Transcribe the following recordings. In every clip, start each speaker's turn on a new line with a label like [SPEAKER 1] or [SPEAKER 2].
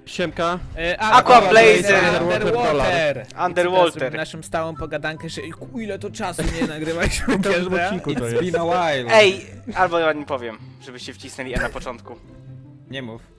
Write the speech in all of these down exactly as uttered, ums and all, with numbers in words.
[SPEAKER 1] Siemka.
[SPEAKER 2] E,
[SPEAKER 3] Aqua Blazer.
[SPEAKER 2] Underwater.
[SPEAKER 3] Underwater.
[SPEAKER 2] Naszą stałą pogadankę, że ku, ile to czasu nie nagrywaliśmy
[SPEAKER 1] W każdym
[SPEAKER 2] kiedy?
[SPEAKER 1] odcinku to
[SPEAKER 4] It's
[SPEAKER 1] jest.
[SPEAKER 4] been a while.
[SPEAKER 3] Ej, albo ja nie powiem, żebyście wcisnęli E na początku.
[SPEAKER 4] Nie mów.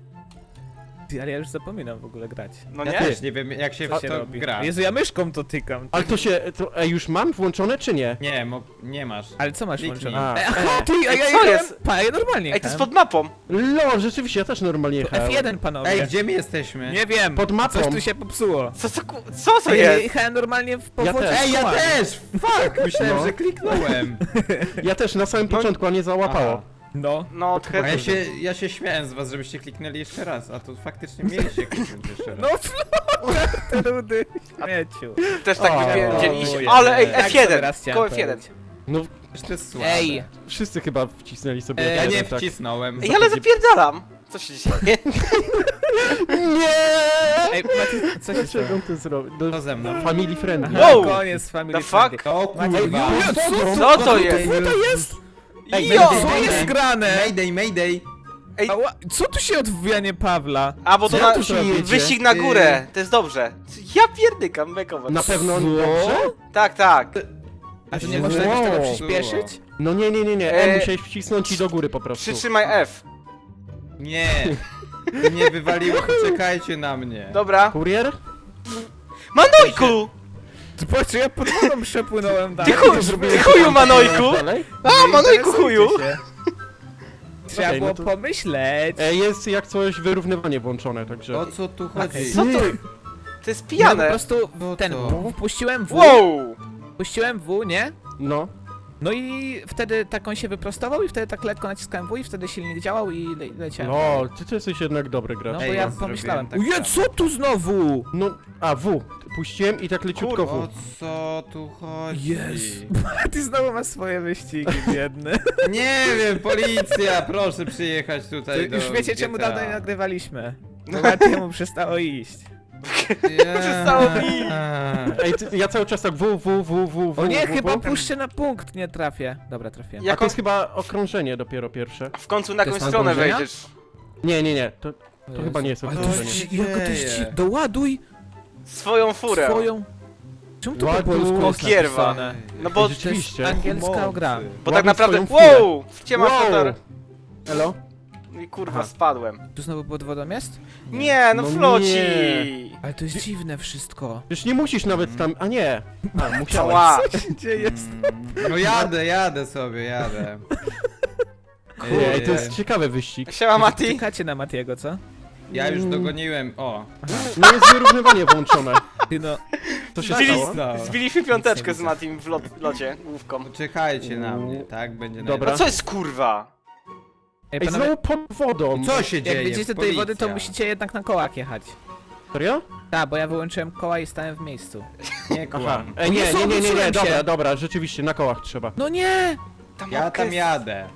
[SPEAKER 2] Ty, ale ja już zapominam w ogóle grać.
[SPEAKER 3] No
[SPEAKER 4] Ja
[SPEAKER 3] nie?
[SPEAKER 4] też nie wiem jak się
[SPEAKER 2] Co
[SPEAKER 4] w
[SPEAKER 2] się
[SPEAKER 4] to
[SPEAKER 2] robi?
[SPEAKER 4] gra.
[SPEAKER 2] Jezu, ja myszką to tykam.
[SPEAKER 1] Ale to się... To, ej, już mam włączone czy nie?
[SPEAKER 4] Nie, mo nie masz.
[SPEAKER 2] Ale co masz
[SPEAKER 4] Kliknij.
[SPEAKER 2] włączone?
[SPEAKER 1] A,
[SPEAKER 2] E,
[SPEAKER 1] e.
[SPEAKER 2] Aha, ty, a
[SPEAKER 3] Ej,
[SPEAKER 2] ja
[SPEAKER 3] co
[SPEAKER 2] jechałem,
[SPEAKER 3] jest?
[SPEAKER 2] pa, ja normalnie
[SPEAKER 3] Ej, to jest
[SPEAKER 2] jechałem.
[SPEAKER 3] pod mapą.
[SPEAKER 1] Lo, rzeczywiście, ja też normalnie
[SPEAKER 2] To
[SPEAKER 1] jechałem.
[SPEAKER 2] F jeden, panowie.
[SPEAKER 4] Ej, gdzie my jesteśmy?
[SPEAKER 2] Nie wiem,
[SPEAKER 1] Pod mapą.
[SPEAKER 2] coś tu się popsuło.
[SPEAKER 3] Co to, ku- co to
[SPEAKER 2] Ej, ja
[SPEAKER 3] jest?
[SPEAKER 2] jechałem normalnie w powodzie
[SPEAKER 1] też.
[SPEAKER 4] Ej, ja
[SPEAKER 2] kołami.
[SPEAKER 4] też! Fuck! Myślałem,
[SPEAKER 1] No.
[SPEAKER 4] że kliknąłem.
[SPEAKER 1] Ja też na samym
[SPEAKER 3] No-
[SPEAKER 1] początku, a nie załapało.
[SPEAKER 4] Aha.
[SPEAKER 2] No.
[SPEAKER 3] No,
[SPEAKER 4] A
[SPEAKER 3] trochę...
[SPEAKER 4] ja się, ja się śmiałem z was, żebyście kliknęli jeszcze raz, a to faktycznie mieliście kliknąć jeszcze
[SPEAKER 2] No,
[SPEAKER 4] raz.
[SPEAKER 2] flotar, ty rudy śmieciu.
[SPEAKER 3] też tak
[SPEAKER 1] O,
[SPEAKER 3] wypierdzieliście.
[SPEAKER 4] ojej.
[SPEAKER 3] Ale ej,
[SPEAKER 2] Tak sobie
[SPEAKER 3] F jeden.
[SPEAKER 2] raz chciałem
[SPEAKER 3] Koło F jeden.
[SPEAKER 2] powiedzieć.
[SPEAKER 1] No,
[SPEAKER 4] Przecież to jest słabe.
[SPEAKER 2] Ej,
[SPEAKER 1] wszyscy chyba wcisnęli sobie
[SPEAKER 2] Ej,
[SPEAKER 4] Ja
[SPEAKER 1] F jeden,
[SPEAKER 4] nie
[SPEAKER 1] tak.
[SPEAKER 4] wcisnąłem.
[SPEAKER 3] Ej, ale zapierdalam. Co się dzieje?
[SPEAKER 1] Nie!
[SPEAKER 2] ej, Maciej, co się stało?
[SPEAKER 1] Dlaczego on to zrobił? No,
[SPEAKER 4] To ze mną.
[SPEAKER 1] family friendly.
[SPEAKER 2] Aha,
[SPEAKER 3] Wow.
[SPEAKER 2] koniec family
[SPEAKER 3] The fuck?
[SPEAKER 2] friendly.
[SPEAKER 4] O
[SPEAKER 2] Maciej,
[SPEAKER 4] kurwa.
[SPEAKER 2] Julia, co,
[SPEAKER 3] Co to jest?
[SPEAKER 2] Co to jest?
[SPEAKER 1] Ej,
[SPEAKER 3] Jo!
[SPEAKER 1] Mayday,
[SPEAKER 2] Co jest grane?
[SPEAKER 4] Mayday, mayday.
[SPEAKER 3] Ej,
[SPEAKER 2] Ała, co tu się odwijanie Pawla?
[SPEAKER 3] a bo to
[SPEAKER 1] Co
[SPEAKER 3] na...
[SPEAKER 1] tu się jedzie?
[SPEAKER 3] Wyścig na górę. To jest dobrze. Ja pierdykam, bekować.
[SPEAKER 1] Na pewno
[SPEAKER 2] Co?
[SPEAKER 1] dobrze?
[SPEAKER 3] Tak, tak.
[SPEAKER 2] A to nie można jakoś tego
[SPEAKER 1] Wow.
[SPEAKER 2] przyspieszyć?
[SPEAKER 1] No nie, nie, nie, nie.
[SPEAKER 3] E,
[SPEAKER 1] E, musiałeś wcisnąć i do góry po prostu.
[SPEAKER 3] Przytrzymaj F.
[SPEAKER 4] Nie. Nie wywaliło, poczekajcie na mnie.
[SPEAKER 3] Dobra.
[SPEAKER 1] Kurier?
[SPEAKER 3] Manojku!
[SPEAKER 2] Ty patrz, ja pod wodą przepłynąłem
[SPEAKER 3] Ty
[SPEAKER 2] dalej.
[SPEAKER 3] chuj, ty chuju Manojku!
[SPEAKER 1] Dalej?
[SPEAKER 3] A, Manojku
[SPEAKER 2] Interesujcie
[SPEAKER 3] chuju!
[SPEAKER 2] się. Trzeba
[SPEAKER 1] Okej, no
[SPEAKER 2] było
[SPEAKER 1] to-
[SPEAKER 2] pomyśleć.
[SPEAKER 1] E, jest jak coś wyrównywanie włączone, także...
[SPEAKER 4] O co tu chodzi?
[SPEAKER 3] Co to? To jest
[SPEAKER 2] Ja po
[SPEAKER 3] pijane.
[SPEAKER 2] prostu
[SPEAKER 4] No
[SPEAKER 2] ten,
[SPEAKER 4] to.
[SPEAKER 2] w- wpuściłem W,
[SPEAKER 3] Wow!
[SPEAKER 2] wpuściłem W, nie?
[SPEAKER 1] No.
[SPEAKER 2] No i wtedy tak on się wyprostował i wtedy tak lekko naciskałem W i wtedy silnik działał i le leciałem.
[SPEAKER 1] No, ty to jesteś jednak dobry gracz.
[SPEAKER 2] No bo
[SPEAKER 4] Ej,
[SPEAKER 2] ja
[SPEAKER 4] ja
[SPEAKER 2] pomyślałem,
[SPEAKER 4] zrobiłem tak
[SPEAKER 2] uje,
[SPEAKER 4] samo.
[SPEAKER 2] co tu znowu?
[SPEAKER 1] No, a W. Puściłem i tak leciutko
[SPEAKER 4] O
[SPEAKER 1] W.
[SPEAKER 4] co tu chodzi?
[SPEAKER 2] Jezu. Ty znowu masz swoje wyścigi, biedny.
[SPEAKER 4] Nie wiem, policja, proszę przyjechać tutaj
[SPEAKER 2] Ty
[SPEAKER 4] do
[SPEAKER 2] już wiecie czemu
[SPEAKER 4] G T A.
[SPEAKER 2] dawno nie nagrywaliśmy. Bo Matiemu przestało iść.
[SPEAKER 4] Nie.
[SPEAKER 3] Przestało mi.
[SPEAKER 1] Ej, ty, ja cały czas tak W, W, W, W, W,
[SPEAKER 2] O nie,
[SPEAKER 1] w,
[SPEAKER 2] chyba
[SPEAKER 1] w.
[SPEAKER 2] puszczę na punkt, nie trafię. Dobra, trafię.
[SPEAKER 1] A
[SPEAKER 3] Jak
[SPEAKER 1] to jest chyba okrążenie dopiero pierwsze.
[SPEAKER 3] w końcu na
[SPEAKER 2] To
[SPEAKER 3] jakąś
[SPEAKER 2] jest
[SPEAKER 3] stronę
[SPEAKER 2] nadążenia?
[SPEAKER 3] wejdziesz.
[SPEAKER 1] Nie, nie, nie, to, to chyba nie jest
[SPEAKER 2] Ale to
[SPEAKER 1] okrążenie.
[SPEAKER 2] jest, ci- jaka to jest ci...
[SPEAKER 4] dzieje?
[SPEAKER 2] Doładuj
[SPEAKER 3] Swoją furę.
[SPEAKER 2] swoją... Czemu to po
[SPEAKER 1] Ładuj
[SPEAKER 2] polsku jest
[SPEAKER 3] Okierwa.
[SPEAKER 2] napisane?
[SPEAKER 3] No bo,
[SPEAKER 1] Ej, rzeczywiście.
[SPEAKER 2] Angielska gra.
[SPEAKER 3] bo tak
[SPEAKER 1] Ładuj
[SPEAKER 3] naprawdę...
[SPEAKER 1] swoją furę.
[SPEAKER 3] Wow! Wciema fotor.
[SPEAKER 1] Elo?
[SPEAKER 3] No i kurwa,
[SPEAKER 1] Aha.
[SPEAKER 3] spadłem.
[SPEAKER 2] Tu znowu pod wodą jest?
[SPEAKER 3] Nie, no
[SPEAKER 1] No
[SPEAKER 3] floci!
[SPEAKER 1] nie.
[SPEAKER 2] Ale to jest dziwne wszystko.
[SPEAKER 1] Przecież nie musisz nawet tam... A nie! A, musiałeś.
[SPEAKER 3] Ała!
[SPEAKER 2] Co się dzieje?
[SPEAKER 4] Mm, No jadę, jadę sobie, jadę.
[SPEAKER 1] Kurde, ej, to jest ciekawy wyścig.
[SPEAKER 3] Siema Mati!
[SPEAKER 2] Czekacie na Matiego, co?
[SPEAKER 4] Ja już dogoniłem, o.
[SPEAKER 1] No jest wyrównywanie włączone.
[SPEAKER 2] Ty no...
[SPEAKER 1] Co się
[SPEAKER 3] Zbili,
[SPEAKER 1] stało?
[SPEAKER 4] stało?
[SPEAKER 3] zbiliśmy piąteczkę z Matim w lot, locie, główką.
[SPEAKER 4] Czekajcie na mnie, tak? Będzie
[SPEAKER 1] Dobra.
[SPEAKER 3] A co jest kurwa?
[SPEAKER 2] Ej,
[SPEAKER 1] Ej,
[SPEAKER 2] panowie,
[SPEAKER 1] znowu pod wodą.
[SPEAKER 4] Co się dzieje?
[SPEAKER 2] jak widzicie do tej wody, to
[SPEAKER 4] Policja.
[SPEAKER 2] musicie jednak na kołach jechać.
[SPEAKER 1] Serio?
[SPEAKER 2] Tak, bo ja wyłączyłem koła i stałem w miejscu.
[SPEAKER 4] Nie
[SPEAKER 1] Aha.
[SPEAKER 4] kłam.
[SPEAKER 1] Ej,
[SPEAKER 2] O
[SPEAKER 1] nie,
[SPEAKER 2] Jezu,
[SPEAKER 1] nie, nie, nie, nie,
[SPEAKER 2] obróciłem się.
[SPEAKER 1] dobra, dobra, rzeczywiście, na kołach trzeba.
[SPEAKER 2] No nie!
[SPEAKER 3] Ta
[SPEAKER 4] Ja
[SPEAKER 3] mapka
[SPEAKER 4] tam
[SPEAKER 3] jest-
[SPEAKER 4] jadę.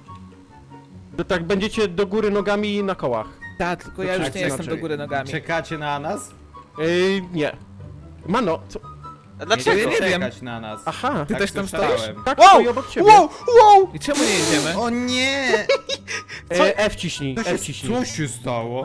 [SPEAKER 1] To tak będziecie do góry nogami na kołach.
[SPEAKER 2] Tak, tylko ja
[SPEAKER 1] Znaczy,
[SPEAKER 2] już nie jestem
[SPEAKER 1] inaczej.
[SPEAKER 2] do góry nogami.
[SPEAKER 4] Czekacie na nas?
[SPEAKER 1] Ej, nie. Mano, co?
[SPEAKER 3] A dlaczego?
[SPEAKER 2] Nie wiem.
[SPEAKER 4] Czekać na nas.
[SPEAKER 1] Aha.
[SPEAKER 2] Ty
[SPEAKER 4] Tak
[SPEAKER 2] też tam
[SPEAKER 4] słyszałem.
[SPEAKER 2] stoisz?
[SPEAKER 1] Tak,
[SPEAKER 3] Wow!
[SPEAKER 1] stoi obok ciebie.
[SPEAKER 3] Wow! Wow!
[SPEAKER 2] I czemu nie jedziemy?
[SPEAKER 4] O nie!
[SPEAKER 1] E, F ciśnij,
[SPEAKER 4] Co
[SPEAKER 1] F
[SPEAKER 4] się,
[SPEAKER 1] ciśnij.
[SPEAKER 4] co się stało?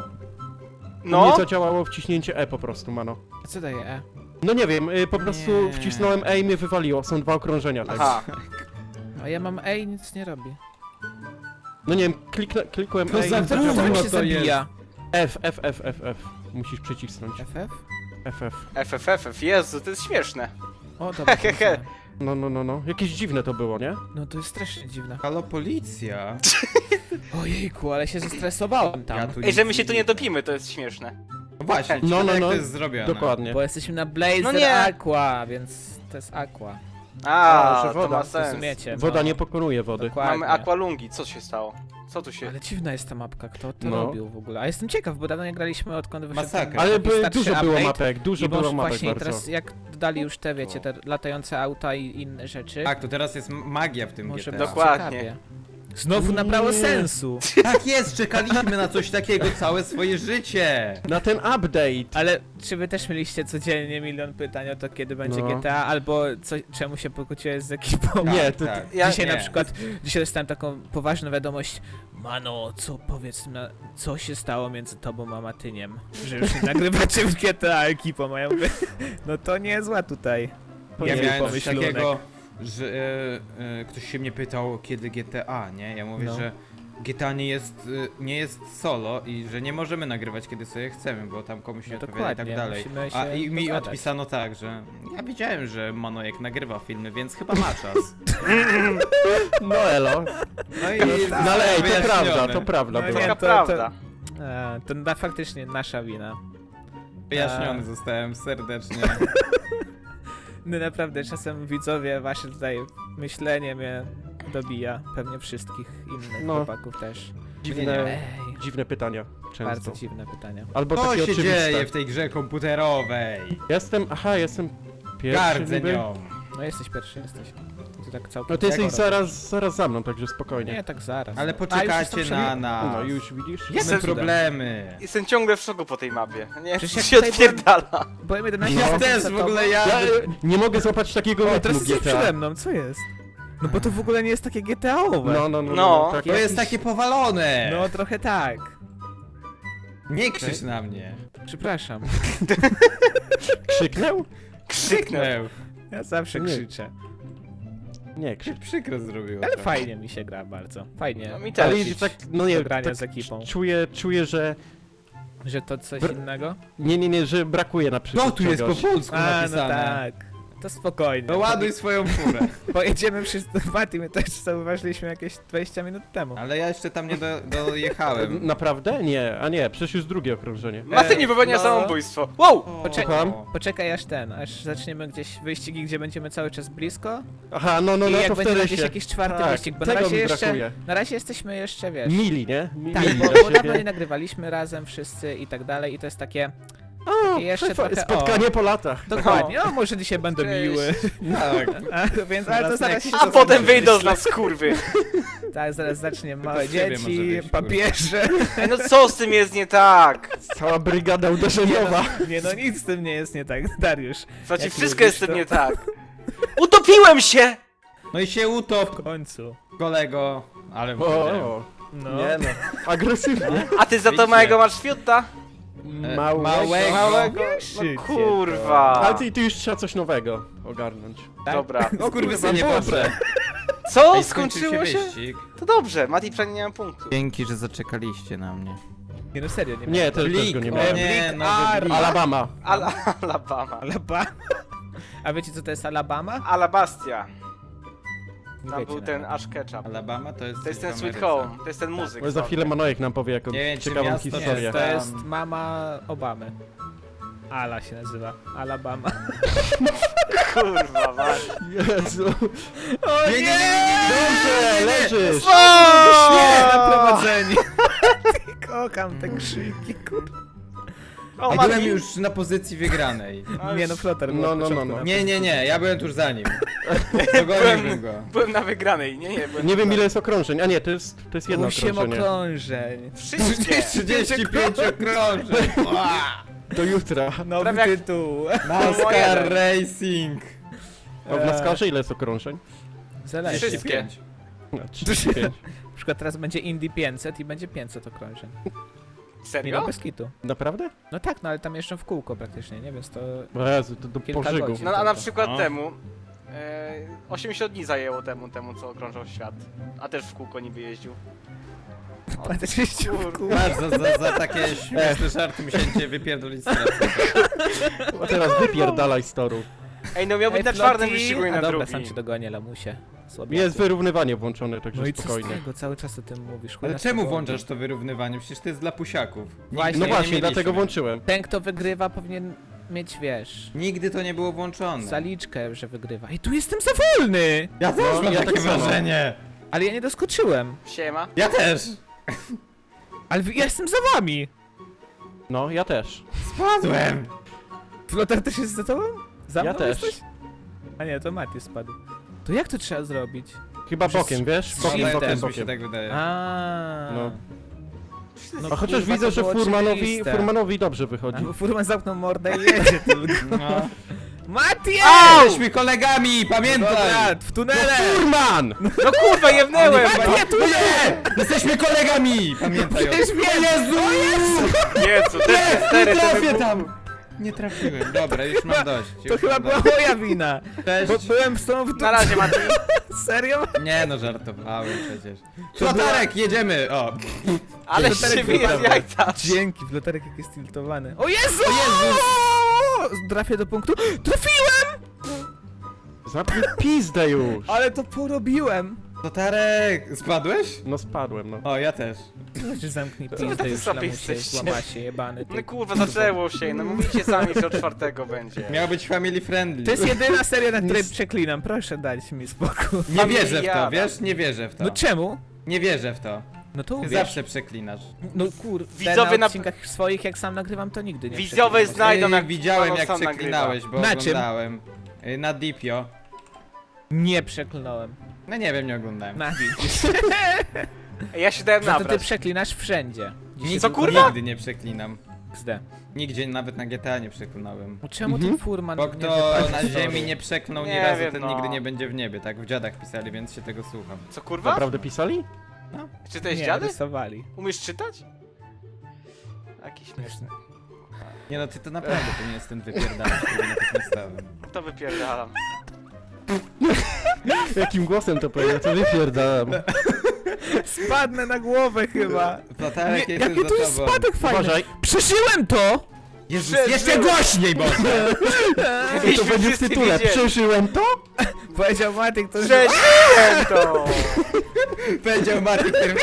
[SPEAKER 3] No?
[SPEAKER 1] Nie zadziałało wciśnięcie E po prostu, mano.
[SPEAKER 2] A co daje E?
[SPEAKER 1] No nie wiem, y, po prostu
[SPEAKER 4] Nie.
[SPEAKER 1] wcisnąłem E i mnie wywaliło. Są dwa okrążenia, tak.
[SPEAKER 3] Aha.
[SPEAKER 2] A ja mam E i nic nie robi.
[SPEAKER 1] No nie wiem, kliknę, klikłem
[SPEAKER 4] To
[SPEAKER 1] E i
[SPEAKER 4] za
[SPEAKER 1] zadziałało.
[SPEAKER 4] trudno.
[SPEAKER 2] Jak się
[SPEAKER 4] to
[SPEAKER 2] zabija?
[SPEAKER 1] F, F, F, F, F. Musisz przycisnąć.
[SPEAKER 2] F F?
[SPEAKER 1] F, F.
[SPEAKER 3] F, F, F, F, Jezu, to jest śmieszne.
[SPEAKER 2] O, dobra.
[SPEAKER 3] Hehehe.
[SPEAKER 2] pomyślałem.
[SPEAKER 1] No, no, no, no. Jakieś dziwne to było, nie?
[SPEAKER 2] No to jest strasznie dziwne.
[SPEAKER 4] Halo, policja.
[SPEAKER 2] Ojejku, ale się zestresowałem tam.
[SPEAKER 4] Ja tu
[SPEAKER 3] Ej,
[SPEAKER 4] nic
[SPEAKER 3] że my się tu nie
[SPEAKER 4] widzę.
[SPEAKER 3] dopimy, to jest śmieszne.
[SPEAKER 4] No właśnie,
[SPEAKER 1] No,
[SPEAKER 4] no,
[SPEAKER 1] no,
[SPEAKER 4] jak
[SPEAKER 1] no.
[SPEAKER 4] to jest zrobione.
[SPEAKER 1] Dokładnie.
[SPEAKER 2] Bo jesteśmy na Blazer
[SPEAKER 3] No nie.
[SPEAKER 2] Aqua, więc to jest Aqua.
[SPEAKER 3] A,
[SPEAKER 1] że
[SPEAKER 3] to
[SPEAKER 1] woda,
[SPEAKER 3] ma
[SPEAKER 1] to
[SPEAKER 3] sens.
[SPEAKER 2] Rozumiecie?
[SPEAKER 1] Woda
[SPEAKER 2] no.
[SPEAKER 1] nie pokonuje wody.
[SPEAKER 2] Dokładnie.
[SPEAKER 3] Mamy aqualungi, co się stało? Co tu się...
[SPEAKER 2] Ale dziwna jest ta mapka, kto to
[SPEAKER 1] No.
[SPEAKER 2] robił w ogóle. A jestem ciekaw, bo dawno nie graliśmy, odkąd wyszedł
[SPEAKER 4] Masakra.
[SPEAKER 2] ten
[SPEAKER 1] Ale
[SPEAKER 2] taki
[SPEAKER 1] by,
[SPEAKER 2] starszy
[SPEAKER 1] dużo było
[SPEAKER 2] update.
[SPEAKER 1] mapek, dużo
[SPEAKER 2] I
[SPEAKER 1] było
[SPEAKER 2] może
[SPEAKER 1] mapek
[SPEAKER 2] właśnie
[SPEAKER 1] bardzo.
[SPEAKER 2] teraz jak dodali już te, wiecie, te latające auta i inne rzeczy.
[SPEAKER 4] Tak, to teraz jest magia w tym
[SPEAKER 2] Może
[SPEAKER 4] G T A.
[SPEAKER 2] być
[SPEAKER 3] Dokładnie.
[SPEAKER 2] ciekawie. Znowu nabrało
[SPEAKER 1] Nie.
[SPEAKER 2] sensu.
[SPEAKER 4] Tak jest, czekaliśmy na coś takiego całe swoje życie.
[SPEAKER 1] Na ten update.
[SPEAKER 2] Ale czy wy też mieliście codziennie milion pytań o to, kiedy będzie
[SPEAKER 1] No.
[SPEAKER 2] G T A, albo co, czemu się pokłóciłeś z ekipą?
[SPEAKER 1] Nie,
[SPEAKER 4] Tak,
[SPEAKER 1] to-
[SPEAKER 4] tak.
[SPEAKER 3] Ja,
[SPEAKER 2] Dzisiaj
[SPEAKER 4] nie.
[SPEAKER 2] na przykład, dzisiaj dostałem taką poważną wiadomość. Mano, co powiedz na, co się stało między tobą a Matyniem? Że już nie nagrywacie w G T A ekipą, a ja mówię, no to niezła tutaj.
[SPEAKER 1] To
[SPEAKER 4] Ja
[SPEAKER 1] nie
[SPEAKER 4] miałem coś
[SPEAKER 2] pomyślunek.
[SPEAKER 4] takiego, że e, e, ktoś się mnie pytał, kiedy G T A, nie? Ja mówię,
[SPEAKER 2] No.
[SPEAKER 4] że G T A nie jest, e, nie jest solo i że nie możemy nagrywać, kiedy sobie chcemy, bo tam komuś nie
[SPEAKER 2] No
[SPEAKER 4] odpowiada i tak
[SPEAKER 2] dokładnie,
[SPEAKER 4] dalej.
[SPEAKER 2] musimy się
[SPEAKER 4] A i mi
[SPEAKER 2] dogadać.
[SPEAKER 4] odpisano tak, że ja wiedziałem, że Manojek nagrywa filmy, więc chyba ma czas.
[SPEAKER 1] No elo.
[SPEAKER 4] No i
[SPEAKER 1] No ale ej, to
[SPEAKER 4] wyjaśnione.
[SPEAKER 1] prawda, to prawda.
[SPEAKER 2] No
[SPEAKER 1] była.
[SPEAKER 2] nie,
[SPEAKER 3] Taka
[SPEAKER 2] to- to-
[SPEAKER 3] prawda.
[SPEAKER 2] A, to na, faktycznie nasza wina.
[SPEAKER 4] Wyjaśniony zostałem serdecznie.
[SPEAKER 2] No naprawdę, czasem widzowie, wasze tutaj myślenie mnie dobija. Pewnie wszystkich innych
[SPEAKER 1] No.
[SPEAKER 2] chłopaków też.
[SPEAKER 1] Dziwne,
[SPEAKER 2] Ej,
[SPEAKER 1] dziwne pytania. Często.
[SPEAKER 2] bardzo dziwne pytania.
[SPEAKER 1] Albo
[SPEAKER 4] Co
[SPEAKER 1] takie
[SPEAKER 4] się
[SPEAKER 1] oczywiste.
[SPEAKER 4] dzieje w tej grze komputerowej?
[SPEAKER 1] Jestem, aha, jestem pierwszy
[SPEAKER 4] Gardzę
[SPEAKER 1] niby.
[SPEAKER 4] nią.
[SPEAKER 2] No jesteś pierwszy, jesteś. Ty tak całkiem
[SPEAKER 1] No ty jesteś
[SPEAKER 2] tego
[SPEAKER 1] zaraz, zaraz za mną, także spokojnie.
[SPEAKER 2] Nie, tak zaraz.
[SPEAKER 4] Ale
[SPEAKER 2] A, już
[SPEAKER 4] poczekajcie
[SPEAKER 2] jestem
[SPEAKER 4] na
[SPEAKER 2] przy-
[SPEAKER 4] nas.
[SPEAKER 1] No już widzisz?
[SPEAKER 4] Mamy
[SPEAKER 3] Jestem-
[SPEAKER 4] problemy.
[SPEAKER 3] Jestem ciągle w szoku po tej mapie. Nie,
[SPEAKER 2] Przecież
[SPEAKER 3] co
[SPEAKER 2] jak
[SPEAKER 3] się
[SPEAKER 2] tutaj
[SPEAKER 3] odpierdala.
[SPEAKER 2] Byłem jedenaście
[SPEAKER 1] No.
[SPEAKER 2] sekund
[SPEAKER 4] Też
[SPEAKER 2] za
[SPEAKER 4] w ogóle
[SPEAKER 2] tobą.
[SPEAKER 4] ja...
[SPEAKER 1] Ja e, nie mogę złapać takiego
[SPEAKER 2] O,
[SPEAKER 1] rytmu
[SPEAKER 2] teraz jesteś
[SPEAKER 1] G T
[SPEAKER 2] przede
[SPEAKER 1] A.
[SPEAKER 2] mną, co jest? No bo to w ogóle nie jest takie G T A-owe.
[SPEAKER 1] No, no, no, no,
[SPEAKER 3] No.
[SPEAKER 1] tak
[SPEAKER 4] To jest
[SPEAKER 1] jakiś-
[SPEAKER 4] takie powalone!
[SPEAKER 2] No trochę tak.
[SPEAKER 4] Nie krzycz na mnie.
[SPEAKER 2] Przepraszam.
[SPEAKER 1] Krzyknął?
[SPEAKER 3] Krzyknę.
[SPEAKER 2] Ja zawsze
[SPEAKER 1] Nie.
[SPEAKER 2] krzyczę.
[SPEAKER 1] Nie,
[SPEAKER 4] Się
[SPEAKER 1] krzycz.
[SPEAKER 4] przykro zrobiło.
[SPEAKER 2] Ale
[SPEAKER 4] trochę.
[SPEAKER 2] fajnie mi się gra bardzo. Fajnie.
[SPEAKER 3] No mi
[SPEAKER 1] Ale
[SPEAKER 3] też.
[SPEAKER 1] idzie tak, no nie,
[SPEAKER 2] Do grania
[SPEAKER 1] tak
[SPEAKER 2] z ekipą.
[SPEAKER 1] czuję, czuję, że...
[SPEAKER 2] Że to coś
[SPEAKER 1] Br-
[SPEAKER 2] innego?
[SPEAKER 1] Nie, nie, nie, że brakuje na przykład
[SPEAKER 4] No tu jest po
[SPEAKER 1] czegoś.
[SPEAKER 4] polsku
[SPEAKER 2] A, no
[SPEAKER 4] napisane.
[SPEAKER 2] tak. To spokojnie.
[SPEAKER 4] No ładuj swoją furę.
[SPEAKER 2] Pojedziemy wszyscy do Mati, my też zauważyliśmy jakieś dwadzieścia minut temu.
[SPEAKER 4] Ale ja jeszcze tam nie do, dojechałem.
[SPEAKER 1] Naprawdę? Nie, a nie, przecież już drugie okrążenie.
[SPEAKER 3] Maty nie popełnia
[SPEAKER 2] no.
[SPEAKER 3] samobójstwo. Wow!
[SPEAKER 2] Poczekaj.
[SPEAKER 1] Słucham?
[SPEAKER 2] Poczekaj aż ten, aż zaczniemy gdzieś wyścigi, gdzie będziemy cały czas blisko.
[SPEAKER 1] Aha, no, no,
[SPEAKER 2] I
[SPEAKER 1] no,
[SPEAKER 2] jak
[SPEAKER 1] to
[SPEAKER 2] będzie
[SPEAKER 1] wtedy
[SPEAKER 2] gdzieś
[SPEAKER 1] się...
[SPEAKER 2] jakiś czwarty
[SPEAKER 1] tak,
[SPEAKER 2] wyścig, bo na
[SPEAKER 1] tego
[SPEAKER 2] razie
[SPEAKER 1] mi
[SPEAKER 2] jeszcze,
[SPEAKER 1] brakuje.
[SPEAKER 2] na razie jesteśmy jeszcze, wiesz...
[SPEAKER 1] Mili, nie?
[SPEAKER 2] Tak,
[SPEAKER 1] Mili
[SPEAKER 2] bo,
[SPEAKER 1] do
[SPEAKER 2] bo dawno
[SPEAKER 1] siebie.
[SPEAKER 2] nie nagrywaliśmy razem wszyscy i tak dalej i to jest takie...
[SPEAKER 1] O,
[SPEAKER 2] jeszcze
[SPEAKER 1] jeszcze
[SPEAKER 2] trochę-
[SPEAKER 1] spotkanie po latach.
[SPEAKER 2] Dokładnie, no może dzisiaj będę
[SPEAKER 3] Cześć.
[SPEAKER 2] miły.
[SPEAKER 4] Tak.
[SPEAKER 2] A, więc, ale to zaraz się
[SPEAKER 3] A
[SPEAKER 2] to
[SPEAKER 3] potem
[SPEAKER 2] zobaczy.
[SPEAKER 3] wyjdą z nas kurwy.
[SPEAKER 2] Tak, zaraz zacznie małe
[SPEAKER 4] z ciebie może
[SPEAKER 2] dzieci,
[SPEAKER 4] wyjść, kurwa.
[SPEAKER 2] papieże.
[SPEAKER 3] Ej, no co z tym jest nie tak?
[SPEAKER 1] Cała brygada uderzeniowa.
[SPEAKER 2] Nie no, nic z tym nie jest nie tak, Dariusz.
[SPEAKER 3] Znaczy
[SPEAKER 2] Jak
[SPEAKER 3] wszystko
[SPEAKER 2] lubisz
[SPEAKER 3] jest z tym
[SPEAKER 2] to-
[SPEAKER 3] nie tak. Utopiłem się!
[SPEAKER 4] No i się utop,
[SPEAKER 2] W końcu.
[SPEAKER 4] kolego. Ale
[SPEAKER 1] O,
[SPEAKER 4] powiedziałem.
[SPEAKER 1] o,
[SPEAKER 2] No.
[SPEAKER 1] nie no. Agresywnie.
[SPEAKER 3] A ty za to
[SPEAKER 4] Widzicie.
[SPEAKER 3] małego masz fiuta?
[SPEAKER 4] E,
[SPEAKER 1] Małego.
[SPEAKER 4] małego.
[SPEAKER 3] Małego?
[SPEAKER 2] Krzycie
[SPEAKER 3] No kurwa.
[SPEAKER 1] Ale ty, ty już trzeba coś nowego ogarnąć.
[SPEAKER 2] Tak?
[SPEAKER 3] Dobra.
[SPEAKER 4] O kurwa, nie
[SPEAKER 1] Boże.
[SPEAKER 4] poprę.
[SPEAKER 3] Co?
[SPEAKER 4] Ej, skończył
[SPEAKER 3] Skończyło się?
[SPEAKER 4] wyścig.
[SPEAKER 3] To dobrze, Mati przynajmniej nie mam punktu.
[SPEAKER 4] Dzięki, że zaczekaliście na mnie.
[SPEAKER 2] Nie no serio, nie
[SPEAKER 1] Nie, też, też go nie
[SPEAKER 4] o
[SPEAKER 1] miałem.
[SPEAKER 4] nie,
[SPEAKER 2] Blik
[SPEAKER 4] nowy
[SPEAKER 2] Ar-
[SPEAKER 4] blik.
[SPEAKER 1] Alabama.
[SPEAKER 3] Ala Alabama.
[SPEAKER 2] Alabama. A wiecie co to jest Alabama?
[SPEAKER 3] Alabastia.
[SPEAKER 2] Nie
[SPEAKER 3] Tam
[SPEAKER 2] wiecie
[SPEAKER 3] był
[SPEAKER 2] nawet.
[SPEAKER 3] ten Ash Ketchup.
[SPEAKER 4] Alabama to jest
[SPEAKER 3] To jest
[SPEAKER 4] coś
[SPEAKER 3] ten
[SPEAKER 4] w
[SPEAKER 3] Sweet
[SPEAKER 4] Ameryce.
[SPEAKER 3] Home. To jest ten muzyk.
[SPEAKER 1] Bo za chwilę Manojek nam powie jakąś
[SPEAKER 4] Nie wiem, czy
[SPEAKER 1] ciekawą
[SPEAKER 4] miasto
[SPEAKER 1] historię.
[SPEAKER 2] Nie, to
[SPEAKER 4] Tam-
[SPEAKER 2] jest mama Obamy. Ala się nazywa. Alabama.
[SPEAKER 3] Kurwa, Mati.
[SPEAKER 1] Jezu.
[SPEAKER 2] O
[SPEAKER 4] Nie, nie, nie, nie,
[SPEAKER 1] Dobrze, leżysz.
[SPEAKER 2] Nie, na prowadzenie. Kocham te krzyki, kurwa.
[SPEAKER 3] O,
[SPEAKER 4] A byłem
[SPEAKER 3] Mati.
[SPEAKER 4] już na pozycji wygranej.
[SPEAKER 3] A
[SPEAKER 2] Nie
[SPEAKER 3] już
[SPEAKER 2] no, Flotar
[SPEAKER 1] No,
[SPEAKER 2] był od
[SPEAKER 1] no, no,
[SPEAKER 2] początku
[SPEAKER 1] no.
[SPEAKER 2] na
[SPEAKER 4] Nie, nie, nie, ja byłem tuż za nim. Dogoniłbym go.
[SPEAKER 3] Byłem na wygranej. Nie, nie, byłem
[SPEAKER 1] Nie wiem
[SPEAKER 3] na-
[SPEAKER 1] ile jest okrążeń. A nie, to jest, to jest jedno
[SPEAKER 2] Osiem
[SPEAKER 1] okrążenie.
[SPEAKER 2] okrążeń.
[SPEAKER 3] Wszystkie.
[SPEAKER 4] trzydzieści pięć okrążeń.
[SPEAKER 1] Do jutra.
[SPEAKER 2] Nowy
[SPEAKER 3] Prawie jak-
[SPEAKER 2] tytuł.
[SPEAKER 4] NASCAR Racing.
[SPEAKER 1] A w NASCARze ile jest okrążeń?
[SPEAKER 2] Zależy.
[SPEAKER 3] Wszystkie.
[SPEAKER 1] No, trzydzieści pięć.
[SPEAKER 2] Na przykład teraz będzie Indy pięćset i będzie pięćset okrążeń. Nie no,
[SPEAKER 3] Serio?
[SPEAKER 2] bez kitu.
[SPEAKER 1] Naprawdę?
[SPEAKER 2] No tak, no ale tam jeszcze w kółko praktycznie, nie? Więc to...
[SPEAKER 1] O Jezu, to do
[SPEAKER 2] Kilka
[SPEAKER 1] pożygu.
[SPEAKER 2] godzin.
[SPEAKER 3] No a na przykład
[SPEAKER 4] No.
[SPEAKER 3] temu. E, osiemdziesiąt dni zajęło temu, temu co okrążał świat. A też w kółko niby jeździł.
[SPEAKER 2] Praktycznie w kółko.
[SPEAKER 4] Masz za, za, za takie śmieszne żarty musiałem cię wypierdolić z teraz.
[SPEAKER 1] A teraz wypierdalaj z toru.
[SPEAKER 3] Ej, no miał być
[SPEAKER 2] Ej,
[SPEAKER 3] na czwartym
[SPEAKER 2] Floti!
[SPEAKER 3] wyścigu i
[SPEAKER 2] A
[SPEAKER 3] na
[SPEAKER 2] dobra,
[SPEAKER 3] drugim.
[SPEAKER 2] sam cię dogonię, lamusie. Słabiaku.
[SPEAKER 1] Jest wyrównywanie włączone, także
[SPEAKER 2] No i co z
[SPEAKER 1] spokojnie.
[SPEAKER 2] tego? Cały czas o tym mówisz. chuj
[SPEAKER 4] Ale
[SPEAKER 2] nas
[SPEAKER 4] czemu
[SPEAKER 2] to boli.
[SPEAKER 4] włączasz to wyrównywanie? Przecież to jest dla pusiaków. Nigdy
[SPEAKER 2] Właśnie,
[SPEAKER 1] No
[SPEAKER 4] nie
[SPEAKER 1] właśnie,
[SPEAKER 4] mieliśmy.
[SPEAKER 1] dlatego włączyłem.
[SPEAKER 2] Ten, kto wygrywa, powinien mieć, wiesz...
[SPEAKER 4] Nigdy to nie było włączone.
[SPEAKER 2] Zaliczkę, że wygrywa. I tu jestem za wolny!
[SPEAKER 4] Ja też
[SPEAKER 1] No,
[SPEAKER 4] mam
[SPEAKER 1] ja
[SPEAKER 4] takie
[SPEAKER 1] tak samo.
[SPEAKER 4] wrażenie.
[SPEAKER 2] Ale ja nie doskoczyłem.
[SPEAKER 3] Siema.
[SPEAKER 4] Ja też.
[SPEAKER 2] Ale wy- ja jestem za wami!
[SPEAKER 1] No, ja też.
[SPEAKER 4] Spadłem.
[SPEAKER 2] Flotar też jest za tobą? Za
[SPEAKER 1] Ja
[SPEAKER 2] mną
[SPEAKER 1] też.
[SPEAKER 2] jesteś? A nie, to Mati spadł. To jak to trzeba zrobić?
[SPEAKER 1] Chyba bokiem, wiesz?
[SPEAKER 4] No,
[SPEAKER 1] Bokiem,
[SPEAKER 2] Shiftem.
[SPEAKER 1] bokiem,
[SPEAKER 4] też mi się
[SPEAKER 1] bokiem.
[SPEAKER 4] tak wydaje.
[SPEAKER 2] A.
[SPEAKER 1] No.
[SPEAKER 2] No
[SPEAKER 1] A chociaż
[SPEAKER 2] kurwa,
[SPEAKER 1] widzę,
[SPEAKER 2] to
[SPEAKER 1] że
[SPEAKER 2] było
[SPEAKER 1] Furmanowi,
[SPEAKER 2] oczywiste.
[SPEAKER 1] Furmanowi dobrze wychodzi.
[SPEAKER 2] A, Furman zamknął mordę i jedzie tylko.
[SPEAKER 4] No.
[SPEAKER 2] Mati!
[SPEAKER 4] Jesteśmy kolegami, pamiętaj!
[SPEAKER 2] Dobra, w tunele!
[SPEAKER 1] Furman!
[SPEAKER 3] No kurwa, jebnęłem!
[SPEAKER 2] Mati, ja tu nie!
[SPEAKER 4] Jesteśmy kolegami! Pamiętaj o
[SPEAKER 2] Przecież
[SPEAKER 4] tym.
[SPEAKER 2] wiem!
[SPEAKER 4] Jezu!
[SPEAKER 3] Jezu, ten
[SPEAKER 4] Nie
[SPEAKER 3] cztery to
[SPEAKER 4] trafię
[SPEAKER 3] wybuchł.
[SPEAKER 4] tam! Nie trafiłem. Dobra, już mam dość.
[SPEAKER 2] To
[SPEAKER 4] Już
[SPEAKER 2] chyba
[SPEAKER 4] mam
[SPEAKER 2] była
[SPEAKER 4] dość.
[SPEAKER 2] moja wina.
[SPEAKER 4] Cześć.
[SPEAKER 2] Bo byłem z tobą w
[SPEAKER 3] Na
[SPEAKER 2] tunelu.
[SPEAKER 3] razie, Mati.
[SPEAKER 2] Serio?
[SPEAKER 4] Nie no, żartowałem przecież. Flotarek, jedziemy! O!
[SPEAKER 3] Ale
[SPEAKER 2] Flotarek
[SPEAKER 3] się wyje z
[SPEAKER 2] wybrał.
[SPEAKER 3] jajca.
[SPEAKER 2] Dzięki, flotarek jak jest tiltowany. O Jezu! O Jezu! Trafię do punktu. Trafiłem!
[SPEAKER 1] Zapnij pizdę już!
[SPEAKER 2] Ale to porobiłem.
[SPEAKER 4] Flotarek! Spadłeś?
[SPEAKER 1] No spadłem, no.
[SPEAKER 4] O, ja też.
[SPEAKER 2] Znaczy zamknij
[SPEAKER 3] wy
[SPEAKER 2] pizdę
[SPEAKER 3] tacy
[SPEAKER 2] już,
[SPEAKER 3] słabi
[SPEAKER 2] lamusie,
[SPEAKER 3] jesteście?
[SPEAKER 2] złamasie, jebany ty.
[SPEAKER 3] No kurwa, zaczęło się, no mówicie sami, że od czwartego będzie.
[SPEAKER 4] Miał być family friendly.
[SPEAKER 2] To jest jedyna seria, na której przeklinam. Proszę dać mi spokój.
[SPEAKER 4] Nie wierzę w to,
[SPEAKER 3] Familiada.
[SPEAKER 4] wiesz? Nie wierzę w to.
[SPEAKER 2] No czemu?
[SPEAKER 4] Nie wierzę w to.
[SPEAKER 2] No to
[SPEAKER 4] Ty
[SPEAKER 2] uwierz.
[SPEAKER 4] zawsze przeklinasz.
[SPEAKER 2] No kur...
[SPEAKER 3] Widzowie
[SPEAKER 2] na
[SPEAKER 3] na-
[SPEAKER 2] odcinkach swoich, jak sam nagrywam, to nigdy nie
[SPEAKER 3] Widzowie
[SPEAKER 2] przeklinam.
[SPEAKER 3] znajdą,
[SPEAKER 4] Ej,
[SPEAKER 3] jak
[SPEAKER 4] widziałem
[SPEAKER 3] Paweł
[SPEAKER 4] jak
[SPEAKER 3] sam
[SPEAKER 4] przeklinałeś, bo
[SPEAKER 2] Na czym?
[SPEAKER 4] oglądałem. Y, Na Dipio.
[SPEAKER 2] Nie przeklnąłem.
[SPEAKER 4] No nie wiem, nie oglądałem.
[SPEAKER 2] Na widzisz.
[SPEAKER 3] Ej, ja się dałem
[SPEAKER 2] No to ty
[SPEAKER 3] nabrać.
[SPEAKER 2] przeklinasz wszędzie. Dzisiaj
[SPEAKER 3] Co,
[SPEAKER 2] tylko
[SPEAKER 3] kurwa?
[SPEAKER 4] Nigdy nie przeklinam.
[SPEAKER 2] X D.
[SPEAKER 4] Nigdzie, nawet na G T A nie przeklinałem.
[SPEAKER 2] No czemu
[SPEAKER 1] Mhm.
[SPEAKER 2] ten furman
[SPEAKER 4] Bo
[SPEAKER 2] nie
[SPEAKER 4] kto
[SPEAKER 2] wypadł
[SPEAKER 4] na
[SPEAKER 2] z toru?
[SPEAKER 4] ziemi nie przeklnął
[SPEAKER 3] Nie
[SPEAKER 4] ni razu,
[SPEAKER 3] wiem,
[SPEAKER 4] ten
[SPEAKER 3] no.
[SPEAKER 4] nigdy nie będzie w niebie. Tak w dziadach pisali, więc się tego słucham.
[SPEAKER 3] Co kurwa?
[SPEAKER 1] Naprawdę pisali?
[SPEAKER 3] Czytałeś
[SPEAKER 2] Nie,
[SPEAKER 3] dziady?
[SPEAKER 2] rysowali.
[SPEAKER 3] Umiesz czytać? Jaki śmieszny.
[SPEAKER 4] Nie no, ty to naprawdę to nie jest ten wypierdalacz, który na tak nie stałem.
[SPEAKER 3] To wypierdalam.
[SPEAKER 1] Jakim głosem to powiedział? To wypierdalam.
[SPEAKER 2] Spadnę na głowę chyba.
[SPEAKER 4] Flotarek
[SPEAKER 2] Nie,
[SPEAKER 4] jest
[SPEAKER 2] jaki
[SPEAKER 4] już
[SPEAKER 2] tu
[SPEAKER 4] za
[SPEAKER 2] jest
[SPEAKER 4] tobą.
[SPEAKER 2] spadek fajny.
[SPEAKER 1] Uważaj.
[SPEAKER 2] Przeżyłem to!
[SPEAKER 4] Jezus,
[SPEAKER 3] Przeżyłem.
[SPEAKER 4] jeszcze głośniej, Boże!
[SPEAKER 1] To
[SPEAKER 3] Myśmy
[SPEAKER 1] będzie w
[SPEAKER 3] wszyscy
[SPEAKER 1] tytule.
[SPEAKER 3] wiedzieli.
[SPEAKER 1] Przeżyłem to?
[SPEAKER 2] Powiedział Matyk, to
[SPEAKER 3] Przeżyłem to!
[SPEAKER 4] Powiedział Martin pierwszy.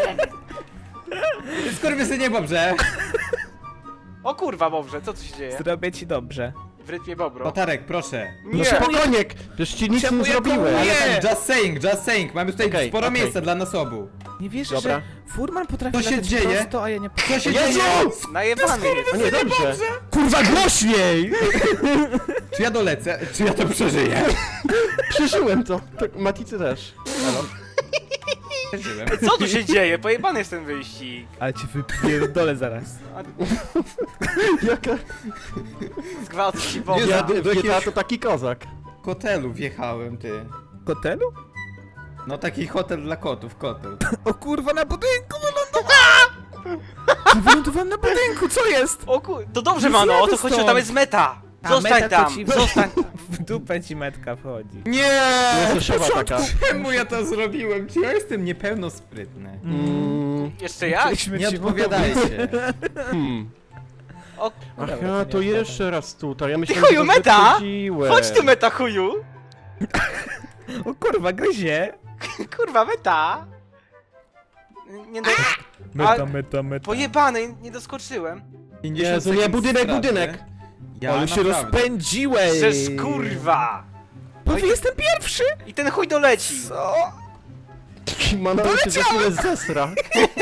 [SPEAKER 4] Skurwysynie, Bobrze!
[SPEAKER 3] O kurwa, Bobrze, co tu się dzieje?
[SPEAKER 2] zrobię ci dobrze.
[SPEAKER 3] W rytmie Bobro.
[SPEAKER 4] Flotarek, proszę.
[SPEAKER 1] No
[SPEAKER 3] Nie!
[SPEAKER 1] spokojnie! Przecież ci nic
[SPEAKER 2] Czemu
[SPEAKER 1] nie
[SPEAKER 2] ja
[SPEAKER 1] zrobiłem.
[SPEAKER 2] komuję?
[SPEAKER 4] Ale tak, just saying, just saying. Mamy tutaj
[SPEAKER 1] Okej,
[SPEAKER 4] sporo
[SPEAKER 1] okej.
[SPEAKER 4] miejsca dla nas obu.
[SPEAKER 2] Nie wierzę,
[SPEAKER 1] Dobra.
[SPEAKER 2] że furman potrafi
[SPEAKER 4] Co się
[SPEAKER 2] latać
[SPEAKER 4] dzieje?
[SPEAKER 2] prosto, a ja nie
[SPEAKER 4] Co się
[SPEAKER 1] Jezu!
[SPEAKER 4] dzieje?
[SPEAKER 3] Najebany jest.
[SPEAKER 1] O nie, dobrze.
[SPEAKER 2] Kurwa, głośniej!
[SPEAKER 4] Czy ja dolecę? Czy ja to przeżyję?
[SPEAKER 1] Przeżyłem to. Tak, Maticy też.
[SPEAKER 4] Przeżyłem.
[SPEAKER 3] Co tu się dzieje? Pojebany jest ten wyścig.
[SPEAKER 2] Ale cię wypierdolę zaraz.
[SPEAKER 1] Jaka...
[SPEAKER 3] Zgwałt ci
[SPEAKER 4] Nie
[SPEAKER 3] Bobra.
[SPEAKER 1] Ja
[SPEAKER 4] za-
[SPEAKER 1] w G T A to taki kozak.
[SPEAKER 4] Kotelu wjechałem, ty.
[SPEAKER 2] Hotelu?
[SPEAKER 4] No taki hotel dla kotów, kotel.
[SPEAKER 2] O kurwa, na budynku wylądowałem! Wylądowałem na budynku, co jest?
[SPEAKER 3] O kur... To dobrze,
[SPEAKER 2] Nie
[SPEAKER 3] mano, o to
[SPEAKER 2] zjadę
[SPEAKER 3] chodzi,
[SPEAKER 2] stąd.
[SPEAKER 3] tam jest meta.
[SPEAKER 2] A,
[SPEAKER 3] Zostań
[SPEAKER 2] meta to
[SPEAKER 3] tam,
[SPEAKER 2] ci-
[SPEAKER 3] zostań.
[SPEAKER 2] W dupę ci metka wchodzi.
[SPEAKER 4] Nie!
[SPEAKER 1] Jest szefa taka.
[SPEAKER 4] Czemu ja to zrobiłem? Czy ja jestem niepełnosprytny?
[SPEAKER 1] Mm,
[SPEAKER 3] Jeszcze jak?
[SPEAKER 2] Chcieliśmy
[SPEAKER 4] Nie
[SPEAKER 2] ci
[SPEAKER 4] odpowiadajcie.
[SPEAKER 1] hmm.
[SPEAKER 3] O,
[SPEAKER 1] Ach
[SPEAKER 2] Dobra,
[SPEAKER 1] ja,
[SPEAKER 2] to
[SPEAKER 1] to
[SPEAKER 2] nie
[SPEAKER 1] jeszcze raz tutaj. Ja myślałem,
[SPEAKER 3] chuju,
[SPEAKER 1] że to
[SPEAKER 3] meta!
[SPEAKER 1] wyprzedziłem.
[SPEAKER 3] chodź tu meta chuju.
[SPEAKER 2] O kurwa, gryzie.
[SPEAKER 3] Kurwa, meta. Nie do...
[SPEAKER 2] Meta, meta, meta.
[SPEAKER 3] Pojebany, nie doskoczyłem.
[SPEAKER 4] pięćdziesiąt
[SPEAKER 1] Jezu, nie,
[SPEAKER 4] sekund
[SPEAKER 1] budynek,
[SPEAKER 4] straty.
[SPEAKER 1] budynek.
[SPEAKER 4] Ja
[SPEAKER 2] Ale się
[SPEAKER 4] naprawdę.
[SPEAKER 2] rozpędziłeś!
[SPEAKER 3] Żeż kurwa.
[SPEAKER 2] Bo jestem pierwszy!
[SPEAKER 3] I ten chuj doleci.
[SPEAKER 2] Co?
[SPEAKER 1] Manowy się za chwilę zesra.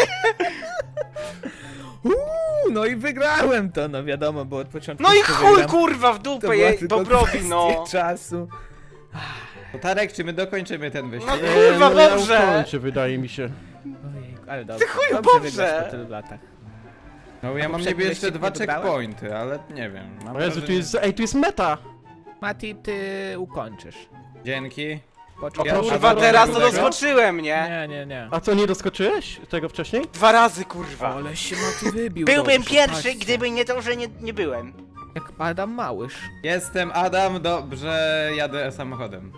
[SPEAKER 2] Uuu, no i wygrałem to, no wiadomo, bo od początku
[SPEAKER 3] No i
[SPEAKER 2] to
[SPEAKER 3] chuj
[SPEAKER 2] wygram.
[SPEAKER 3] kurwa w
[SPEAKER 2] To
[SPEAKER 3] dupę
[SPEAKER 2] była
[SPEAKER 3] je,
[SPEAKER 2] tylko
[SPEAKER 3] Bobrowi,
[SPEAKER 2] kwestia
[SPEAKER 3] no.
[SPEAKER 2] czasu.
[SPEAKER 4] Tarek, czy my dokończymy ten wyścig?
[SPEAKER 3] No
[SPEAKER 1] Nie,
[SPEAKER 3] kurwa,
[SPEAKER 1] no ja
[SPEAKER 3] dobrze.
[SPEAKER 1] ukończę, wydaje mi się.
[SPEAKER 2] Ojej, ale dobrze.
[SPEAKER 3] chuju,
[SPEAKER 2] dobrze
[SPEAKER 3] dobrze.
[SPEAKER 2] wygrasz po tylu latach.
[SPEAKER 4] No ja mam
[SPEAKER 2] poprzedni
[SPEAKER 4] niby jeszcze
[SPEAKER 2] wyścig
[SPEAKER 4] dwa
[SPEAKER 2] nie wygrałem?
[SPEAKER 4] checkpointy, ale nie wiem. Mam
[SPEAKER 1] O Jezu, tu
[SPEAKER 4] wrażenie-
[SPEAKER 1] jest, ej, tu jest meta!
[SPEAKER 2] Mati, ty ukończysz.
[SPEAKER 4] Dzięki.
[SPEAKER 2] Poczekaj.
[SPEAKER 1] O
[SPEAKER 3] Kurwa,
[SPEAKER 1] Dobra,
[SPEAKER 3] teraz to
[SPEAKER 1] dobra.
[SPEAKER 3] doskoczyłem, nie?
[SPEAKER 2] Nie, nie, nie.
[SPEAKER 1] A co, nie doskoczyłeś tego wcześniej?
[SPEAKER 3] Dwa razy kurwa.
[SPEAKER 2] Ale się Mati wybił.
[SPEAKER 3] Byłbym
[SPEAKER 2] dobrze,
[SPEAKER 3] pierwszy,
[SPEAKER 2] patrzcie.
[SPEAKER 3] gdyby nie to, że nie, nie byłem.
[SPEAKER 2] Jak Adam Małysz.
[SPEAKER 4] Jestem Adam, dobrze jadę samochodem.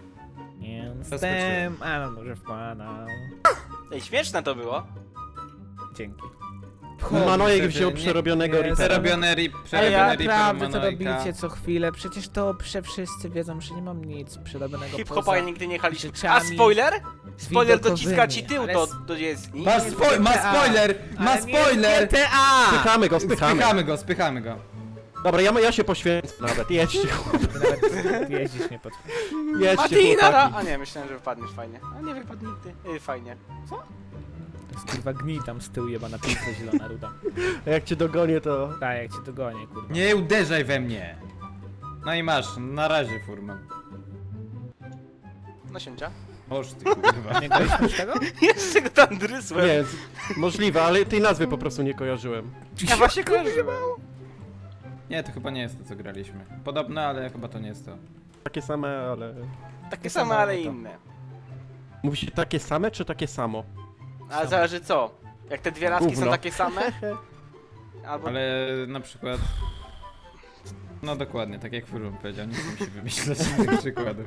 [SPEAKER 2] Jestem Adam, dobrze wpadał.
[SPEAKER 3] Ej, śmieszne to było.
[SPEAKER 2] Dzięki.
[SPEAKER 1] Manojek
[SPEAKER 4] wtedy
[SPEAKER 1] wziął
[SPEAKER 4] nie-
[SPEAKER 1] przerobionego
[SPEAKER 2] nie,
[SPEAKER 1] Reapera.
[SPEAKER 4] Przerobiony rip,
[SPEAKER 2] Ale
[SPEAKER 4] przerobiony rip
[SPEAKER 2] naprawdę to robicie co chwilę, przecież to prze wszyscy wiedzą, że nie mam nic przerobionego
[SPEAKER 3] Hip-hopa
[SPEAKER 2] poza...
[SPEAKER 3] nigdy nie jechaliśmy. A
[SPEAKER 2] rzeczami
[SPEAKER 3] spoiler? Spoiler
[SPEAKER 2] widokowymi,
[SPEAKER 3] dociska ci tył
[SPEAKER 2] ale
[SPEAKER 3] do,
[SPEAKER 2] s-
[SPEAKER 3] do jezdni.
[SPEAKER 4] Ma, spo ma spoiler! Ma
[SPEAKER 2] Ale nie
[SPEAKER 4] spoiler!
[SPEAKER 2] G T A!
[SPEAKER 1] Spychamy go, spychamy.
[SPEAKER 4] Spychamy go, spychamy go.
[SPEAKER 1] Dobra, ja, ja się poświęcę nawet, jedźcie,
[SPEAKER 2] Ty nawet jeździć nie potrafisz.
[SPEAKER 1] jedźcie
[SPEAKER 3] Matinara!
[SPEAKER 1] chłopaki.
[SPEAKER 3] A nie, myślałem, że wypadniesz fajnie. A nie wypadł nigdy. Ej, fajnie.
[SPEAKER 2] To jest kurwa gnij tam z tyłu jebana pizza zielona ruda.
[SPEAKER 1] A jak cię dogonię, to...
[SPEAKER 2] Tak, jak cię dogonię, kurwa.
[SPEAKER 4] Nie uderzaj we mnie. No i masz, na razie furman.
[SPEAKER 3] No sięcia.
[SPEAKER 4] Oż ty kurwa.
[SPEAKER 2] Nie graliśmy z tego?
[SPEAKER 3] Jeszcze go tam drysłem.
[SPEAKER 1] Nie, z- możliwe, ale tej nazwy po prostu nie kojarzyłem.
[SPEAKER 3] Ja właśnie kojarzyłem.
[SPEAKER 4] Nie, to chyba nie jest to, co graliśmy. Podobne, ale chyba to nie jest to.
[SPEAKER 1] Takie same, ale...
[SPEAKER 3] Takie
[SPEAKER 2] samo,
[SPEAKER 3] same, ale
[SPEAKER 2] to.
[SPEAKER 3] inne.
[SPEAKER 1] Mówi się takie same, czy takie samo?
[SPEAKER 3] Ale zależy co. Jak te dwie laski są
[SPEAKER 1] Gówno.
[SPEAKER 3] takie same? Albo...
[SPEAKER 4] Ale na przykład... No dokładnie, tak jak Furun powiedział, nie chcę mi się wymyślać innych przykładów.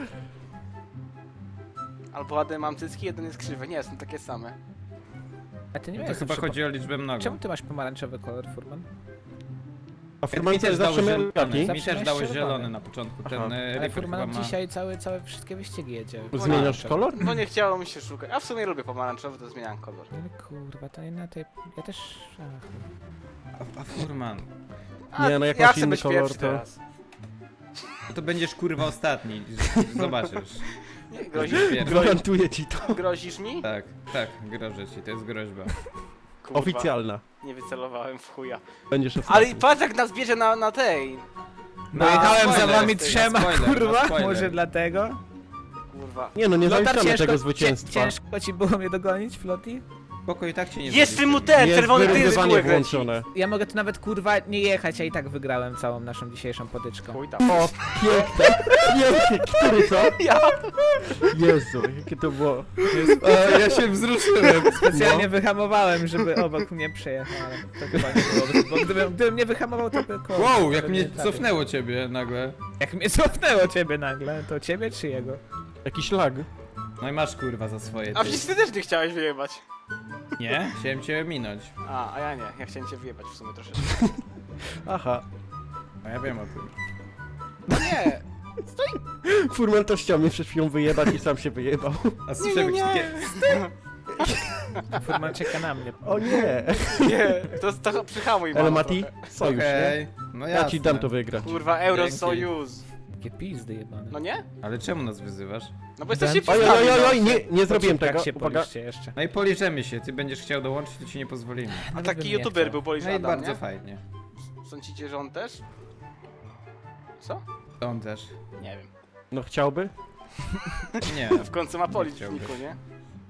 [SPEAKER 3] Albo ładne mam cycki, jeden jest krzywy. Nie, są takie same.
[SPEAKER 2] A ty nie
[SPEAKER 4] No to
[SPEAKER 2] miałeś
[SPEAKER 4] chyba
[SPEAKER 2] zawsze
[SPEAKER 4] chodzi o liczbę
[SPEAKER 2] po-
[SPEAKER 4] mnogą.
[SPEAKER 2] Czemu ty masz pomarańczowy kolor, Furman?
[SPEAKER 1] A
[SPEAKER 4] Mi
[SPEAKER 1] Furman to
[SPEAKER 4] też
[SPEAKER 1] jest
[SPEAKER 4] dał
[SPEAKER 1] zawsze
[SPEAKER 4] zielony,
[SPEAKER 1] Melgati?
[SPEAKER 4] mi
[SPEAKER 2] Zawsze
[SPEAKER 4] też
[SPEAKER 2] miałeś
[SPEAKER 4] dałeś
[SPEAKER 2] czerwony.
[SPEAKER 4] zielony na początku, ten
[SPEAKER 1] Aha.
[SPEAKER 4] e,
[SPEAKER 2] Ale
[SPEAKER 4] Reaper
[SPEAKER 2] Furman
[SPEAKER 4] chyba ma...
[SPEAKER 2] dzisiaj całe, całe wszystkie wyścigi jedzie.
[SPEAKER 1] Zmieniasz kolor?
[SPEAKER 3] No nie chciało mi się szukać. A w sumie lubię pomarańczowy, to zmieniam kolor.
[SPEAKER 2] Ale kurwa, to nie na tej... Ja też... Ach.
[SPEAKER 4] A, a Furman,
[SPEAKER 3] A,
[SPEAKER 1] Nie, no jak
[SPEAKER 3] ja
[SPEAKER 1] masz
[SPEAKER 3] chcę
[SPEAKER 1] inny
[SPEAKER 3] być
[SPEAKER 1] kolor,
[SPEAKER 3] pierwszy
[SPEAKER 1] to-
[SPEAKER 3] teraz.
[SPEAKER 4] to będziesz kurwa ostatni, zobaczysz.
[SPEAKER 3] Nie,
[SPEAKER 4] Będziesz
[SPEAKER 3] grozisz,
[SPEAKER 4] pierwszy.
[SPEAKER 1] Gwarantuję ci to.
[SPEAKER 3] grozisz mi?
[SPEAKER 4] Tak, tak, grożę ci, to jest groźba.
[SPEAKER 3] Kurwa,
[SPEAKER 1] Oficjalna.
[SPEAKER 3] nie wycelowałem w chuja.
[SPEAKER 1] Będziesz
[SPEAKER 3] Ale
[SPEAKER 1] ostatni.
[SPEAKER 3] i patrz jak nas bierze na, na tej.
[SPEAKER 2] No jechałem za
[SPEAKER 4] spoiler,
[SPEAKER 2] wami
[SPEAKER 4] na
[SPEAKER 2] trzema,
[SPEAKER 4] spoiler, na
[SPEAKER 2] kurwa,
[SPEAKER 4] spoiler.
[SPEAKER 2] może dlatego?
[SPEAKER 3] Kurwa.
[SPEAKER 1] Nie no, nie
[SPEAKER 2] Lotar,
[SPEAKER 1] zaliczamy
[SPEAKER 2] ciężko,
[SPEAKER 1] tego
[SPEAKER 2] cię-
[SPEAKER 1] zwycięstwa.
[SPEAKER 2] Ciężko ci było mnie dogonić, Flotti?
[SPEAKER 4] Spoko, i tak cię nie
[SPEAKER 3] Jest w tym mu
[SPEAKER 4] zaliczymy.
[SPEAKER 3] ten,
[SPEAKER 1] Jest
[SPEAKER 3] czerwony ty z
[SPEAKER 1] wyrównywanie
[SPEAKER 3] kółek leci.
[SPEAKER 1] włączone.
[SPEAKER 2] Ja mogę tu nawet kurwa nie jechać, a i tak wygrałem całą naszą dzisiejszą potyczką.
[SPEAKER 3] Chuj tam.
[SPEAKER 1] O, piękne, pięknie, który to?
[SPEAKER 3] Ja.
[SPEAKER 1] Jezu, jakie to było.
[SPEAKER 4] E, ja się wzruszyłem.
[SPEAKER 2] Specjalnie
[SPEAKER 1] No.
[SPEAKER 2] wyhamowałem, żeby obok mnie przejechał, ale to chyba nie było, bo gdybym, gdybym nie wyhamował, to by koło.
[SPEAKER 4] Wow,
[SPEAKER 2] to
[SPEAKER 4] jak
[SPEAKER 2] by
[SPEAKER 4] mnie
[SPEAKER 2] nie trafił.
[SPEAKER 4] cofnęło ciebie nagle.
[SPEAKER 2] Jak mnie cofnęło ciebie nagle, to ciebie czy jego?
[SPEAKER 1] Jakiś lag.
[SPEAKER 4] No i masz kurwa za swoje.
[SPEAKER 3] A
[SPEAKER 4] Ty.
[SPEAKER 3] przecież ty też nie chciałeś wyjebać.
[SPEAKER 4] Nie? Chciałem cię minąć.
[SPEAKER 3] A, a ja nie. Ja chciałem cię wyjebać w sumie troszeczkę.
[SPEAKER 1] Aha.
[SPEAKER 4] A ja wiem o tym.
[SPEAKER 3] No nie.
[SPEAKER 1] Furman też chciał mnie przed chwilą wyjebać i sam się wyjebał.
[SPEAKER 4] A słyszałem już takie...
[SPEAKER 2] Furman czeka na mnie.
[SPEAKER 1] O nie.
[SPEAKER 3] Nie. To, to przyhamuj
[SPEAKER 1] Ale
[SPEAKER 3] mamo
[SPEAKER 1] Mati,
[SPEAKER 3] trochę.
[SPEAKER 1] sojusz, nie?
[SPEAKER 4] Okej, no
[SPEAKER 1] Ja ci dam
[SPEAKER 4] jasne.
[SPEAKER 1] to wygrać.
[SPEAKER 3] Kurwa, Euro
[SPEAKER 4] Dzięki.
[SPEAKER 3] Sojuz.
[SPEAKER 2] Takie pizdy jebane.
[SPEAKER 3] No nie?
[SPEAKER 4] Ale czemu nas wyzywasz?
[SPEAKER 3] No bo jesteście
[SPEAKER 2] Dam
[SPEAKER 1] Oj,
[SPEAKER 2] ci-
[SPEAKER 1] oj,
[SPEAKER 3] pizgami,
[SPEAKER 1] oj,
[SPEAKER 3] no.
[SPEAKER 1] oj, nie, nie zrobiłem
[SPEAKER 2] Jak
[SPEAKER 1] tego.
[SPEAKER 2] się
[SPEAKER 1] Uwaga.
[SPEAKER 2] policzcie jeszcze.
[SPEAKER 4] No i policzemy się, ty będziesz chciał dołączyć, to ci nie pozwolimy.
[SPEAKER 3] A
[SPEAKER 2] Nawet
[SPEAKER 3] taki
[SPEAKER 2] bym nie
[SPEAKER 3] youtuber
[SPEAKER 2] chciał.
[SPEAKER 3] był Polish
[SPEAKER 4] No i
[SPEAKER 3] Adam,
[SPEAKER 4] bardzo
[SPEAKER 3] nie?
[SPEAKER 4] fajnie.
[SPEAKER 3] Sądzicie, że on też? Co?
[SPEAKER 4] On też.
[SPEAKER 3] Nie wiem.
[SPEAKER 1] No chciałby?
[SPEAKER 4] Nie,
[SPEAKER 3] W końcu ma Polish w
[SPEAKER 4] chciałby.
[SPEAKER 3] niku, nie?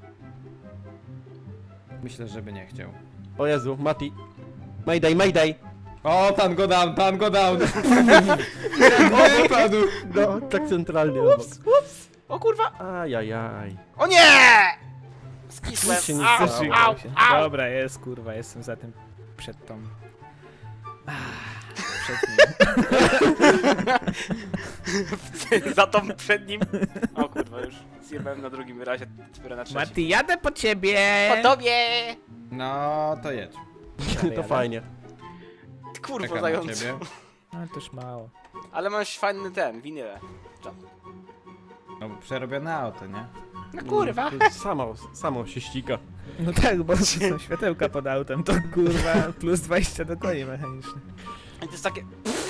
[SPEAKER 4] myślę, żeby nie chciał.
[SPEAKER 1] O Jezu, Mati. Mayday, mayday.
[SPEAKER 4] O, pan go down, pan go down! Wypadł!
[SPEAKER 1] No, tak centralnie obok.
[SPEAKER 3] O kurwa!
[SPEAKER 1] Ajajaj.
[SPEAKER 3] O nie! Skisłem.
[SPEAKER 1] Nic się nie
[SPEAKER 3] Au,
[SPEAKER 1] zdarzyło.
[SPEAKER 3] au, au.
[SPEAKER 2] Dobra, jest kurwa, jestem za tym przed tą. Ah, przed nim.
[SPEAKER 3] Za tą przed nim. O kurwa, już zjebałem na drugim razie, dopiero na trzecim.
[SPEAKER 2] Mati, jadę po ciebie!
[SPEAKER 3] Po tobie!
[SPEAKER 4] No, to jedź.
[SPEAKER 1] To fajnie.
[SPEAKER 3] Kurwa,
[SPEAKER 4] Czekam na
[SPEAKER 3] zając.
[SPEAKER 4] ciebie.
[SPEAKER 2] No to już mało.
[SPEAKER 3] Ale masz fajny ten, winyle.
[SPEAKER 4] No, przerobione auto, nie?
[SPEAKER 3] No kurwa.
[SPEAKER 1] To Samo, samo się ściga.
[SPEAKER 2] No tak, bo są światełka pod autem, to kurwa plus dwadzieścia do koni mechanicznych.
[SPEAKER 3] I to jest takie...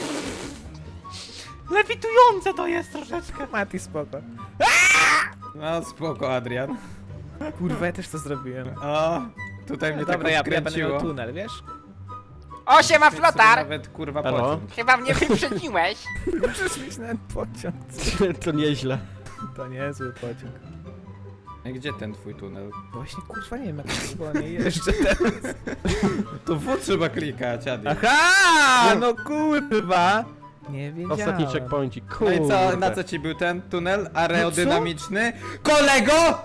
[SPEAKER 3] Lewitujące to jest troszeczkę.
[SPEAKER 2] Mati, spoko.
[SPEAKER 4] No, spoko, Adrian.
[SPEAKER 2] Kurwa, ja też to zrobiłem.
[SPEAKER 4] O, tutaj mnie
[SPEAKER 2] Dobra,
[SPEAKER 4] tak
[SPEAKER 2] ja, ja będę
[SPEAKER 4] odkręciło.
[SPEAKER 2] miał tunel, wiesz?
[SPEAKER 3] O, siema
[SPEAKER 4] Sobie
[SPEAKER 3] flotar!
[SPEAKER 4] Nawet kurwa
[SPEAKER 1] Halo?
[SPEAKER 4] pociąg.
[SPEAKER 3] Chyba mnie wyprzedziłeś.
[SPEAKER 2] Możesz mieć nawet pociąg.
[SPEAKER 1] To nieźle.
[SPEAKER 2] To niezły pociąg.
[SPEAKER 4] Ej, gdzie ten twój tunel?
[SPEAKER 2] Właśnie kurwa nie wiem jak to było, nie jeżdżę teraz.
[SPEAKER 4] To W trzeba klikać, Adi.
[SPEAKER 2] Aha, no kurwa! Nie wiedziałem.
[SPEAKER 1] Ostatni checkpointik.
[SPEAKER 4] No
[SPEAKER 1] Kurde.
[SPEAKER 4] i co, na co ci był ten tunel aerodynamiczny? Kolego!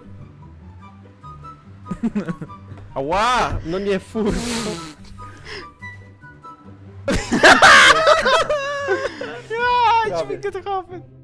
[SPEAKER 1] Ała! No nie, fur.
[SPEAKER 3] Ja, dźwigę to chopy.